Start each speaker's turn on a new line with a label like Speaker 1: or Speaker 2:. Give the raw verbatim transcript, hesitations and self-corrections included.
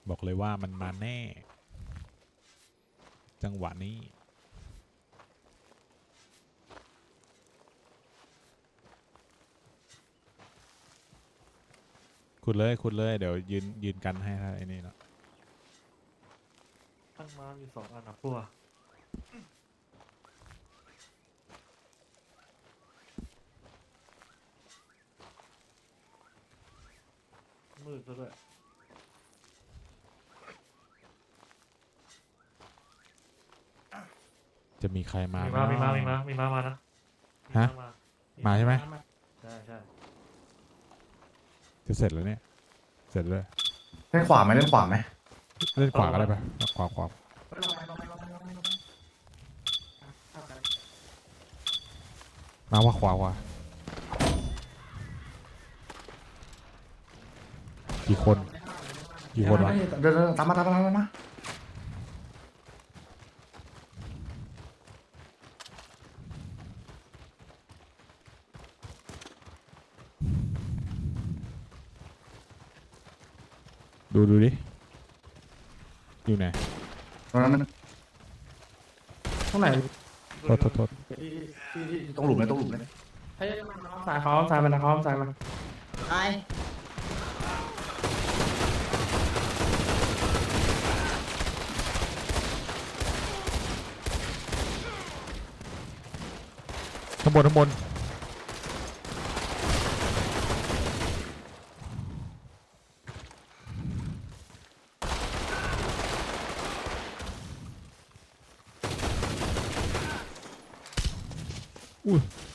Speaker 1: บอกเลยว่ามันมาแน่ จังหวะนี้ขุดเลยขุดเลยเดี๋ยวยืนยืนกันให้ถ้าไอ้นี่เนาะ
Speaker 2: ตั้งมาอยู่สองอันนะพวกมืดซะด้วย
Speaker 1: จะมีใครมา
Speaker 2: มี
Speaker 1: ไห
Speaker 2: มามีมามีมามีมามานะ
Speaker 1: ฮะ
Speaker 2: มา
Speaker 1: มาใช่ไหม
Speaker 2: ใช่ใช่
Speaker 1: จะเสร็จแล้วเนี่ยเสร็จเลย
Speaker 3: เล่นขวาไหมเล่นขวาไหม
Speaker 1: เล่นขวาก็ได้ปะขวาขวามาว่าขวาขวากี่คนกี่คนวะ
Speaker 3: เดินๆตามมาตามมาตามมา
Speaker 1: ดูดูดิอยู่ไหน
Speaker 3: ตรงนั้นมันตรงไหน
Speaker 1: โทษโทษโทษ
Speaker 3: ตรงหลุมเลยตรงหลุมเลย
Speaker 4: ให้สายเขาสายมันนะเขาสายมัน
Speaker 5: ตาย
Speaker 1: ข้างบนข้างบนอุ้ย